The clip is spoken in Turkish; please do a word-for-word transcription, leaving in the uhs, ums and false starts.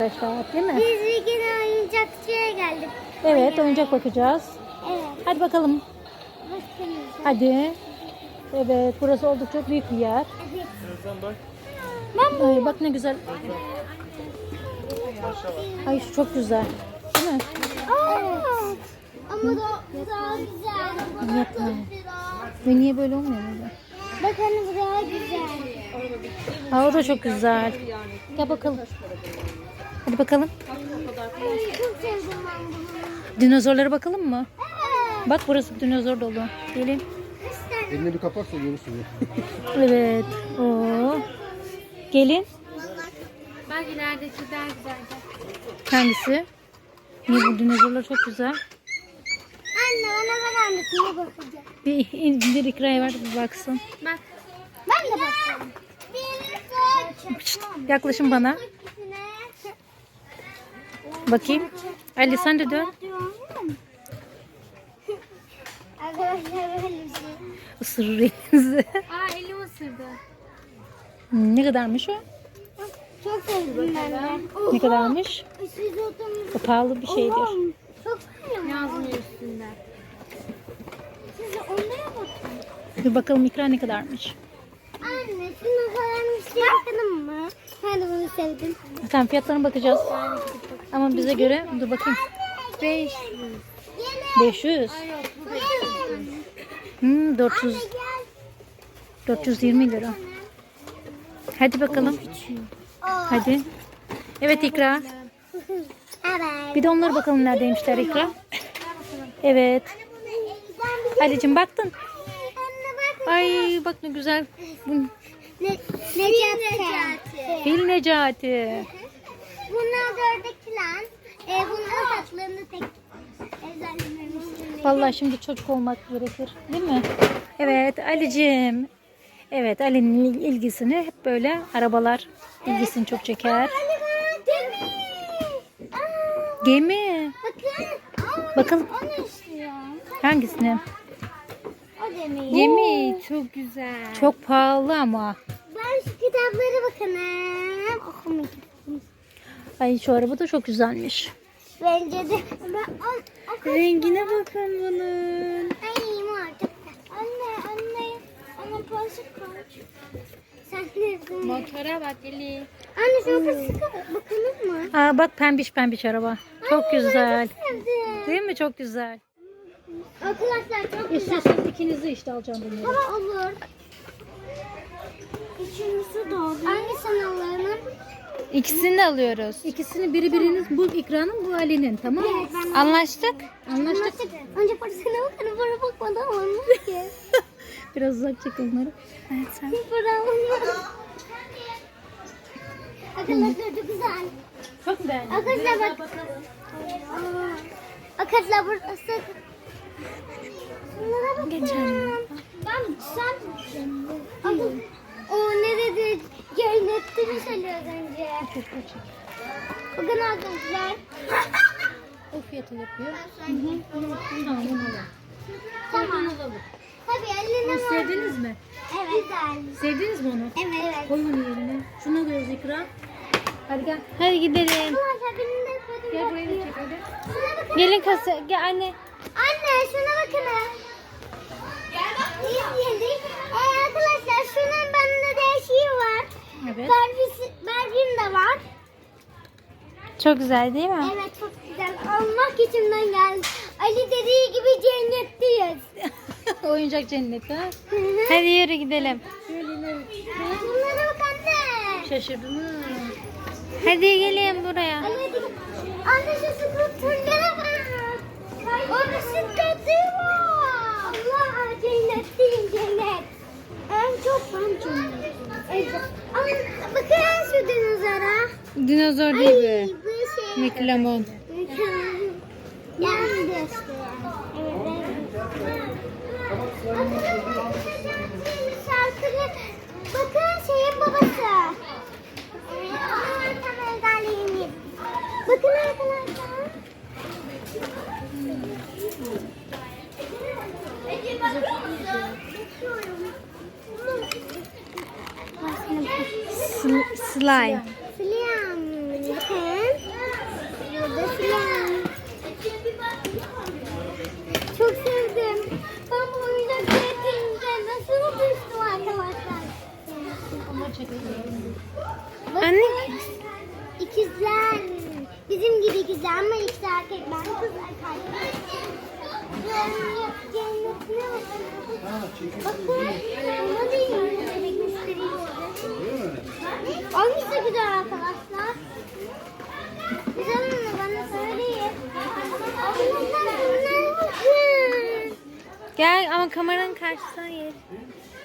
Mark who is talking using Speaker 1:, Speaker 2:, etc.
Speaker 1: Arkadaşlar değil mi?
Speaker 2: Biz bir gün oyuncakçıya geldik.
Speaker 1: Evet, oyuncak bakacağız.
Speaker 2: Evet.
Speaker 1: Hadi bakalım.
Speaker 2: Bakın.
Speaker 1: Hadi. Evet, burası oldukça büyük bir yer.
Speaker 2: Evet.
Speaker 1: Ben Ay, bak ne güzel. Ay şu çok güzel. Değil mi?
Speaker 2: Evet. Ama da daha güzel.
Speaker 1: Yapma. Ve niye böyle olmuyor böyle?
Speaker 2: Bakın bu daha güzel.
Speaker 1: Aa, o da çok güzel. Gel bakalım. Hadi bakalım.
Speaker 2: Çok sevdim ben bunu.
Speaker 1: Dinozorlara bakalım mı?
Speaker 2: Evet.
Speaker 1: Bak burası dinozor dolu. Gelin.
Speaker 2: Kaç tane?
Speaker 3: Elini bir kapatsa görürsün ya.
Speaker 1: Evet. Oo. Gelin.
Speaker 2: Bak ilerideki daha güzeldi.
Speaker 1: Hangisi? Niye bu dinozorlar çok güzel.
Speaker 2: Anne bana ver annesine bakacağım.
Speaker 1: Bir indir ikraya ver bir baksın.
Speaker 2: Bak. Ben de bakacağım. Bir
Speaker 1: Şşt, yaklaşın bana. Bakayım. Ali sen de dön.
Speaker 2: Arkadaşlar böyle bir şey.
Speaker 1: Isırır elinizi.
Speaker 2: Aa elim ısırdı.
Speaker 1: Ne kadarmış o?
Speaker 2: Çok sevdim ben de.
Speaker 1: Ne kadarmış?
Speaker 2: Siz oturun.
Speaker 1: O pahalı bir şeydir.
Speaker 2: Çok sevdim. Yazmıyor üstünde. Siz onlara bakın.
Speaker 1: Dur bakalım ikra ne kadarmış.
Speaker 2: Anne şunu falan bir şey bakalım mı? Ben de bunu sevdim.
Speaker 1: Tamam fiyatlarına bakacağız. Ama bize göre dur bakayım.
Speaker 2: Beş.
Speaker 1: beş yüz. Hmm, dört yüz. dört yüz yirmi lira. Hadi bakalım. Hadi. Evet ikra.
Speaker 2: Evet.
Speaker 1: Bir de onlara bakalım neredeymişler ikra. Evet. Ali'cim baktın.
Speaker 2: Anne bak.
Speaker 1: Ay bak ne güzel. Bu
Speaker 2: Ne, Necati.
Speaker 1: Fil Necati.
Speaker 2: Bunlar dördekiler. E, bunların saçlarını tek özellememiştim.
Speaker 1: Vallahi şimdi çocuk olmak gerekir. Değil mi? Evet Ali'cim. Evet Ali'nin ilgisini hep böyle arabalar ilgisini çok çeker.
Speaker 2: Gemi. Aa,
Speaker 1: Gemi.
Speaker 2: bakın. Aa,
Speaker 1: Bakalım
Speaker 2: o ne istiyor?
Speaker 1: hangisini?
Speaker 2: O gemi.
Speaker 1: Gemi.
Speaker 2: Çok güzel.
Speaker 1: Çok pahalı ama.
Speaker 2: Ben şu kitaplara bakalım. Okumak istiyorum.
Speaker 1: Ay şu araba da çok güzelmiş.
Speaker 2: Bence de. Ben, o, o
Speaker 1: Rengine bakın bunun.
Speaker 2: Ay mor çok güzel. Anne anne. Anne parası kaç? Sen ne?
Speaker 1: Motora bak Eli.
Speaker 2: Anne şuna parası bakalım mı?
Speaker 1: Aa bak pembiş pembiş araba. Çok
Speaker 2: Anne,
Speaker 1: güzel.
Speaker 2: Ben çok sevdim.
Speaker 1: Değil mi? Çok güzel.
Speaker 2: Arkadaşlar çok güzel.
Speaker 1: İstiyorsanız ikinizi işte alacağım bunları.
Speaker 2: Ama olur. Üçüncüsü doğdu. Hangisini alalım?
Speaker 1: İkisini de alıyoruz. İkisini biri biriniz bu ikranın bu Ali'nin tamam mı?
Speaker 2: Evet, ben-
Speaker 1: Anlaştık. Anlaştık.
Speaker 2: Anlaştık. Önce parasına bakalım. Para bakmadan olmaz ki.
Speaker 1: Biraz uzak çek onları. Evet sen.
Speaker 2: Para olmaz. Arkadaşlar çok güzel.
Speaker 1: Çok beğendim.
Speaker 2: Arkadaşlar bak. Arkadaşlar burası. Bunlara bakın.
Speaker 1: Geçelim.
Speaker 2: Ben sen. Bakın. O ne dedi? Cennette mi söylüyor az önce? Bakın arkadaşlar.
Speaker 1: O fiyatı yapıyor. Tamam onu alalım.
Speaker 2: Tamam. Tabii eline var.
Speaker 1: Sevdiniz mi?
Speaker 2: Evet. Güzel.
Speaker 1: Sevdiniz mi onu?
Speaker 2: Evet.
Speaker 1: Koy onu yerine. Şunu alıyoruz ikra. Hadi gel. Hadi gidelim.
Speaker 2: Arkadaşlar benim de koydum.
Speaker 1: Gel buraya da çek hadi.
Speaker 2: Şuna bakın.
Speaker 1: Gelin kasa. Gel anne.
Speaker 2: Anne şuna bakın. Gel bak. İzledik. Ee, arkadaşlar şunun bende değişiği var.
Speaker 1: Evet.
Speaker 2: Barbie'si, Barbie'm de var.
Speaker 1: Çok güzel değil mi?
Speaker 2: Evet çok güzel. Almak içimden geldi. Ali dediği gibi cennetteyiz.
Speaker 1: Oyuncak cenneti ha.
Speaker 2: Hı hı.
Speaker 1: Hadi yürü gidelim.
Speaker 2: Bunlara bak anne.
Speaker 1: Şaşırdım ha. Hadi gelin buraya.
Speaker 2: Ali hadi. Anne şu skuterlere bak. O bisikleti var. Allah cennetteyim cennet. En çok ben cennet. Evet. Ama bakın şu dinozora.
Speaker 1: Dinozor
Speaker 2: Ay
Speaker 1: değil
Speaker 2: bu
Speaker 1: bu.
Speaker 2: şey.
Speaker 1: Miklamon.
Speaker 2: Yani de işte. Evet. Şarkılı. Bakın şeyin babası. Bakın arkadaşlar.
Speaker 1: Slime.
Speaker 2: Sliam. Bakın.
Speaker 1: Anne.
Speaker 2: İkizler. Bizim gibi ikizler ama ikisi erkek. Ben kız erkek. Cennet ne olsun? Bakın. Ona değil mi? Bebek göstereyim size. Hangisi güzel arkadaşlar? Güzel mi? Bana söyleyin. Allah'ım bunlar bakın.
Speaker 1: Gel ama kameranın karşısına gel.